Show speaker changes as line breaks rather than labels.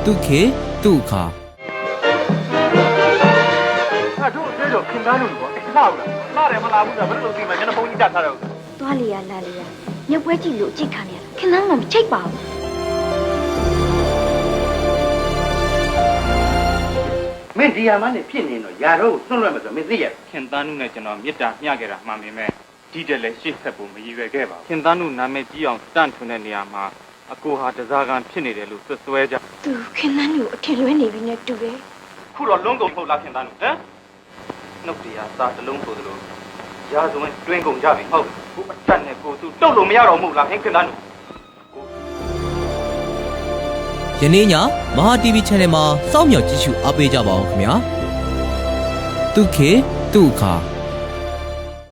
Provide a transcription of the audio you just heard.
တုခေတုခါ
အဲ့တို့အဲ့တော့ခင်သားလို့ပေါ့လှဘူးလားလှတယ်မလားဘူးလားဘယ်လိုလုပ်သိမှာကျွန်တော်ဖုန်းကြီးတက်ထားတယ်
သွားလေရလာလေရမြုပ်ပွဲကြည့်လို့အကြိတ်ခံနေရခင်ဗျားတော့မချိတ်ပါဘူး
မင်းဒီယာမနဲ့ဖြစ်နေတော့ယာတော့ကိုသွန့်လွှတ်မယ်ဆိုမင်းသိရ
ခင်သားနုနဲ့ကျွန်တော်မေတ္တာမျှခဲ့တာမှန်ပေမဲ့ဒီတက်လည်းရှေ့ဆက်ဖို့မရည်ရွယ်ခဲ့ပါဘူးခင်သားနုနာမည်ကြီးအောင်တန့်ထွင်တဲ့နေရာမှာအကိုဟာတစားကန်ဖြစ်နေတယ်လို့ဆွဲကြ
သူခင်ဗျားကိုအထင်လွဲနေပြီနဲ့တူတယ်
ခုတော့လုံးကုန်ထုတ်လာခင်သားနုဟမ်နှုတ်တရားစာတလုံးဆိုသလိုရာဇဝင်တွင်းကုန်ကြပြီဟုတ်ခုအတက်နဲ့ကိုသူတုတ်လို့မရတော့ဘူးလားခင်သားနု
ယနေ့ညမဟာ TV Channel မှာစောင့်မျှော်ကြည့်ရှုအားပေးကြပါအောင်ခင်ဗျာတုခေတုခါ